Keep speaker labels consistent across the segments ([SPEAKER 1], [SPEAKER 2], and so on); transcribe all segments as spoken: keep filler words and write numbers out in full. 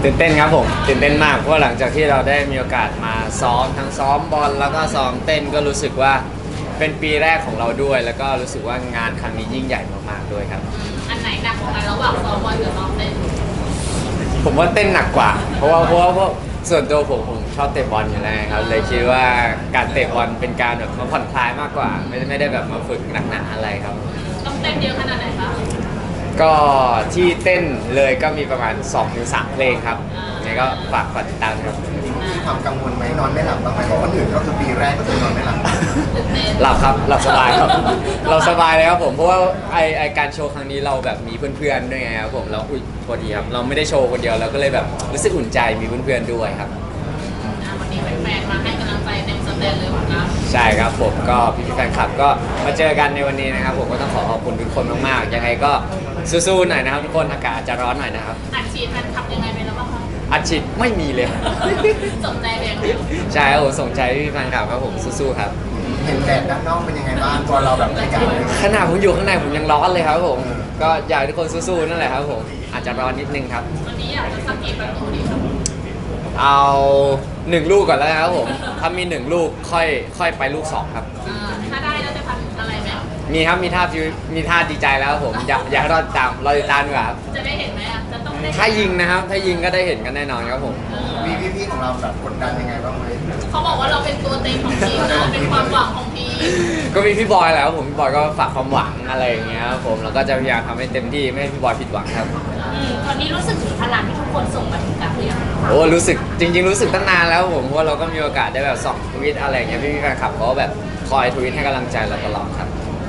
[SPEAKER 1] ตื่นเต้นครับผมตื่นเต้นมากเพราะหลังจากที่เราได้มีโอกาสมาซ้อมทั้งซ้อมบอลแล้วก็ซ้อมเต้นก็รู้สึกว่าเป็นปีแรกของเราด้วย แล้วก็รู้สึกว่างานครั้งนี้ยิ่งใหญ่มากๆด้วยครับ
[SPEAKER 2] อันไหนหนักกว่ากันระหว่างซ้อมบอลกับซ้อมเต้น
[SPEAKER 1] ผมว่าเต้นหนักกว่าเพราะว่าเพราะว่าเพราะส่วนตัวผมผมชอบเตะบอลอยู่แล้วครับเลยคิดว่าการเตะบอลเป็นการแบบมาผ่อนคลายมากกว่าไม่ไม่ได้แบบมาฝึกหนักหนาอะไรครับ
[SPEAKER 2] ต้องเต้นเยอะขนาดไหนคะ
[SPEAKER 1] ก็ที่เต้นเลยก็มีประมาณ สองถึงสาม เพลงครับยังไงก็ฝากฝากติดตามครับ
[SPEAKER 3] มีความกังวลไหมนอนไม่หลับบ้างไหมเพราะคนอื่นก็คือปีแรกก็คือนอนไม่หลับ
[SPEAKER 1] หลับครับหลับสบายครับเราสบายเลยครับผมเพราะว่าไอไอการโชว์ครั้งนี้เราแบบมีเพื่อนๆด้วยไงครับผมเราอุ้ยพอดีครับเราไม่ได้โชว์คนเดียวเราก็เลยแบบรู้สึกอุ่นใจมีเพื่อนๆด้วยครับ
[SPEAKER 2] วันนี้แฟนๆมาให้กำลังใจเต็มสเตจเลยเหรอครับ
[SPEAKER 1] ใช่ครับผมก็พี่ๆแฟนคลับก็มาเจอกันในวันนี้นะครับผมก็ต้องขอขอบคุณทุกคนมากๆยังไงก็สู้ๆหน่อยนะครับทุกคนอากาศจะร้อนหน่อยนะครับ
[SPEAKER 2] อัดฉีดแฟนคลับยังไงไปแล้วบ้างคะ
[SPEAKER 1] อัดฉีดไม่มีเลย
[SPEAKER 2] สนใจเอง
[SPEAKER 1] ใช่ครับผมส่งใจพี่แฟนคลับครับผมสู้ๆครับ
[SPEAKER 3] เห็นแดดด้านนอกเป็นยังไงบ้างตัวเราแบบในการ
[SPEAKER 1] ขนาดผมอยู่ข้างในผมยังร้อนเลยครับผมก็อยากให้ทุกคนสู้ๆนั่นแหละครับผมอาจจะร้อนนิดนึงครับ
[SPEAKER 2] วันนี้อยากจะสักกี่ประตูดีครับ
[SPEAKER 1] เอาหนึ่งลูกก่อนแล้วครับผมถ้ามีหนึ่งลูกค่อยค่อยไปลูกสองครับ
[SPEAKER 2] ถ้าได้แล้วจะทำอะไรไหม
[SPEAKER 1] มีครับมีท่ามีท่าดีใจแล้วครับผมอยากอยากให้รอติดตามรอติดตามดีกว่าครับ
[SPEAKER 2] จะได้เห็นไหมอ่ะจะต้องได้
[SPEAKER 1] ถ้ายิงนะครับถ้ายิงก็ได้เห็นกันแน่นอนครับผม
[SPEAKER 3] มีพี่ๆของเราแบบกดดันยังไงบ้างไหม
[SPEAKER 2] เขาบอกว่าเราเป็นตัวเต็งของทีมนะเป็นความหวังของทีม
[SPEAKER 1] ก็มีพี่บอยแล้วผมพี่บอยก็ฝากความหวังอะไรอย่างเงี้ยครับผมแล้วก็จะพยายามทำให้เต็มที่ไม่ให้พี่บอยผิดหวังครับ
[SPEAKER 2] ตอนนี้รู้สึกถึงพลังที่ทุกคนส่งมาถึงกับหรือยัง
[SPEAKER 1] โอ้รู้สึกจริงๆรู้สึกตั้งนานแล้วผมเพราะว่าเราก็มีโอกาสได้แบบส่องทวิตอะไรอย่างเงี้ยพี่ๆแฟนคลับเขาแบบคอยทวิตให้กำลังใจเราตลอดครับ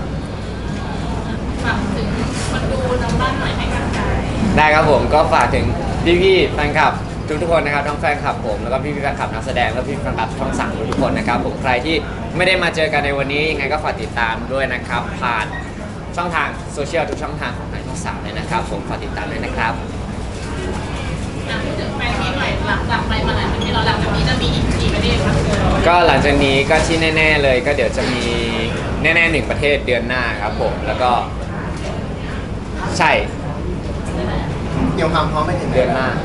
[SPEAKER 2] ฝากถึงคนดูทางบ้านหน่อยให้กำลังใจ
[SPEAKER 1] ได้ครับผมก็ฝากถึงพี่ๆแฟนคลับทุกๆคนนะครับทั้งแฟนคลับผมแล้วก็พี่ๆแฟนคลับนักแสดงแล้วพี่ๆแฟนคลับช่องสามทุกๆคนนะครับผมใครที่ไม่ได้มาเจอกันในวันนี้ยังไงก็ฝากติดตามด้วยนะครับผ่านช่องทางโซเชียลทุกช่องทางของทางช่องสามเลยนะครับผมฝากติดตามด้วยนะครับ
[SPEAKER 2] ถึงแฟนมีหน่อยหลังจากไปมาหลายประเทศเราหลังจากนี้จะมีอีกกี่ประเทศครับ
[SPEAKER 1] ก็หลังจากนี้ก็ที่แน่ๆเลยก็เดี๋ยวจะมีแน่ๆหนึ่งประเทศเดือนหน้าครับผมแล้วก็ใช่
[SPEAKER 3] เตรียมความพร้อมไปถึง
[SPEAKER 1] เดือนหน้า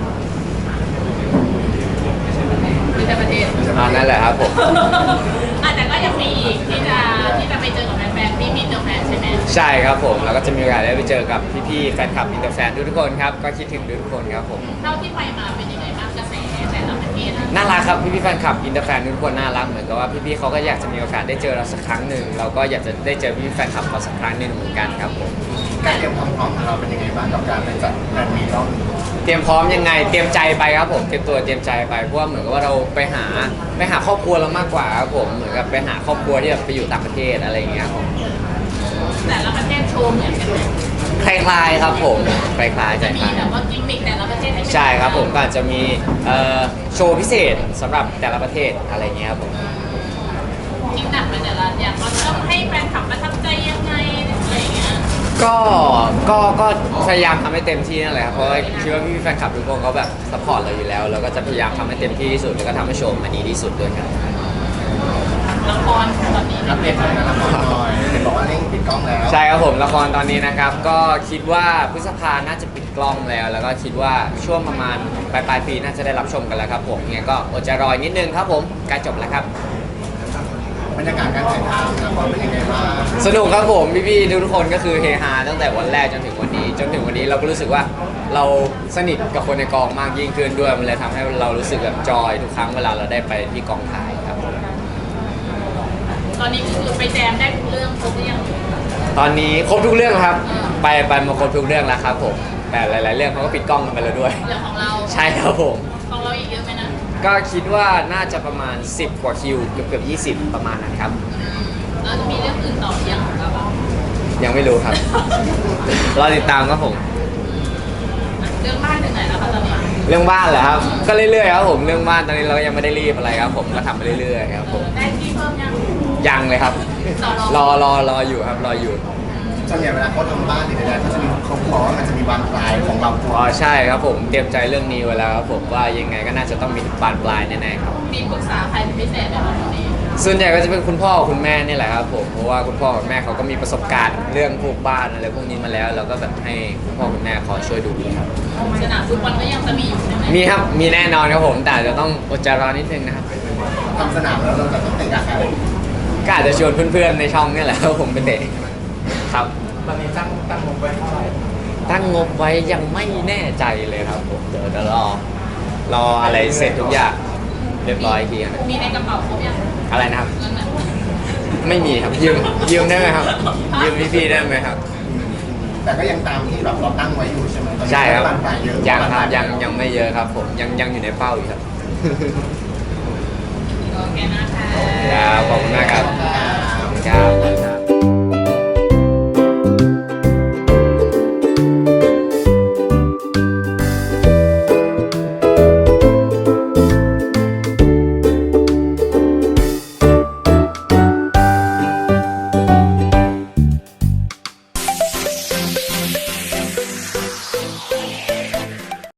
[SPEAKER 2] ที่จะประเทศ
[SPEAKER 1] อ่านั่นแหละครับผม
[SPEAKER 2] อาจจะก็ยังมีอีกที่จะที่จะไปเจอกับแฟนๆพี่พี่เจอแฟนใช่ไหม
[SPEAKER 1] ใช่ครับผมแล้วก็จะมีโอกาสได้ไปเจอกับพี่ๆแฟนคลับอินเตอร์แฟนทุกๆคนครับก็คิดถึงทุกคนครับผม
[SPEAKER 2] เท่าที่ไปมาเป็นยังไงบ้างกระแสแต่ละประเทศ
[SPEAKER 1] น่ารักครับพี่ๆแฟนคลับอินเตอร์แฟนทุกคนน่ารักเหมือนกับว่าพี่ๆเขาก็อยากจะมีโอกาสได้เจอเราสักครั้งหนึ่งเราก็อยากจะได้เจอพี่ๆแฟนคลับเราสักครั้งหนึ่งเหมือนกันครับผม
[SPEAKER 3] การเตรียมความพร้อมของเราเป็นยังไงบ้างกับการไปจัดงานมีรอบ
[SPEAKER 1] เตรียมพร้อมยังไงเตรียมใจไปครับผมเตรียมตัวเตรียมใจไปเพราะว่าเหมือนกับว่าเราไปหาไปหาครอบครัวเรามากกว่าครับผมเหมือนกับไปหาครอบครัวที่แบบไปอยู่ต่างประเทศอะไรอย่างเงี้ยครับ
[SPEAKER 2] แต่ละประเทศโชว์เหมือนกันไหม
[SPEAKER 1] คล้ายๆครับผมคล้ายๆ
[SPEAKER 2] จะมีแบบว่ากิมมิคแต่ละประเทศ
[SPEAKER 1] ใช่ครับผมก็อาจจะมีโชว์พิเศษสำหรับแต่ละประเทศอะไรเงี้ยครับผม
[SPEAKER 2] จริงหนักไปแต่ละอย่างเราต้องให้แฟนคลับประทับใจยังไงอะไรอย่างเงี้ย
[SPEAKER 1] ก็ก็ก็พยายามทำให้เต็มที่นั่นแหละครับเพราะคิดว่าพี่แฟนคลับทุกคนเขาแบบซัพพอร์ตเราอยู่แล้วเราก็จะพยายามทำให้เต็มที่ที่สุดแล้วก็ทำให้โชว์มันดีที่สุดด้วยครับ
[SPEAKER 2] ละครตอนนี้
[SPEAKER 3] อัปเดตหน่อยละครหน่อยเห็นบอกว่าเร่งปิดกล้องแล้ว
[SPEAKER 1] ใช่ครับผมละครตอนนี้นะครับก็คิดว่าพฤษภาน่าจะปิดกล้องแล้ว แล้วก็คิดว่าช่วงประมาณปลายปลายปีน่าจะได้รับชมกันแล้วครับผมยังไงก็อดใจรอนิดนึงครับผมใกล้จบแล้วครับ
[SPEAKER 3] บรรยากาศการถ่ายทำละครเป็นยังไงบ้าง
[SPEAKER 1] สนุกครับผมพี่ๆทุกคนก็คือเฮฮาตั้งแต่วันแรกจนถึงวันนี้จนถึงวันนี้เราก็รู้สึกว่าเราสนิทกับคนในกองมากยิ่งขึ้นด้วยมันเลยทำให้เรารู้สึกแบบจอยทุกครั้งเวลาเราได้ไปที่กองถ่ายครับ
[SPEAKER 2] ตอนนี้คือไปแจมได้ทุกเรื่องครบหรือยัง
[SPEAKER 1] ตอนนี้ครบทุกเรื่องครับไปไปมาครบทุกเรื่องแล้วครับผมแต่หลายๆเรื่องเขาก็ปิดกล้องกันไปแล้วด้วย
[SPEAKER 2] เรื่องของเรา
[SPEAKER 1] ใช่ครับผม
[SPEAKER 2] ของเราอีกเยอะไหมนะ
[SPEAKER 1] ก็คิดว่าน่าจะประมาณสิบกว่าคิวเกือบเกือบยี่สิบประมาณนั้นครับ
[SPEAKER 2] แล้วจะมีเรื่องอื่นต่อยังของเราบ้าง
[SPEAKER 1] ยังไม่รู้ครับรอติดตามครับผม
[SPEAKER 2] เรื่องบ้านถึงไหนแล้วคะตอนนี้
[SPEAKER 1] เรื่องบ้านเหรอครับก็เรื่อยๆครับผมเรื่องบ้านตอนนี้เราก็ยังไม่ได้รีบอะไรครับผมก็ทำไปเรื่อยๆครับผม
[SPEAKER 2] ได้ที่เพิ่มยัง
[SPEAKER 1] ยังเลยครับรอรอรออยู่ครับรออยู่
[SPEAKER 3] ส่วนใหญ่เวลาเขาทำบ้านเนี่ยเขาจะมีเขาบอกว่ามันจะมีบานปลายของเรา
[SPEAKER 1] อ๋อใช่ครับผมเตรียมใจเรื่องนี้ไว้แล้วครับผมว่ายังไงก็น่าจะต้องมีบานปลายแน่ๆครับ
[SPEAKER 2] มีปรึกษาใครเป็นพิเศษไหมครับตอนนี้
[SPEAKER 1] ส่วนใหญ่ก็จะเป็นคุณพ่อคุณแม่นี่แหละครับผมเพราะว่าคุณพ่อคุณแม่เขาก็มีประสบการณ์เรื่องพวกบ้านอะไรพวกนี้มาแล้วเราก็แบบให้คุณพ่อคุณแม่คอยช่วยดูครับ
[SPEAKER 2] สนามฟุตบอลก็ยังจะมีอยู่ใช่ไหม
[SPEAKER 1] มีครับมีแน่นอนครับผมแต่จะต้องอดใจรอนิดนึงนะครับ
[SPEAKER 3] ทำสนามแล้วเราจะต้องเตะกับใคร
[SPEAKER 1] ก็อาจจะชวนเพื่อนๆในช่องนี่แหละครับผมไปเตะครับ
[SPEAKER 4] ตอนนี้ตั้งตั้งงบไว้เท่าไหร่
[SPEAKER 1] ตั้งงบไว้ยังไม่แน่ใจเลยครับผมเดี๋ยวจะรอรออะไรเสร็จทุกอย่างเรียบร้อยอีกทีครับ
[SPEAKER 2] มีในกระเป๋าเขายัง
[SPEAKER 1] อะไรนะครับ
[SPEAKER 2] เงินน่ะ
[SPEAKER 1] ไม่มีครับยืมยืมได้ไหมครับยืมพี่ๆได้ไหมครับ
[SPEAKER 3] แต่ก็ยังตามที่แบบเราตั้งไว้อยู่ใช่ไหมตอนนี้
[SPEAKER 1] ใช่ครับ
[SPEAKER 3] บานปลายเยอะ
[SPEAKER 1] ยังครับยังยังไม่เยอะครับผมยังยังอยู่ในเป้าอยู่ครับ
[SPEAKER 2] โอเคนะคะ
[SPEAKER 1] ครับขอบคุณมากครับ
[SPEAKER 3] ครับ
[SPEAKER 1] ครับ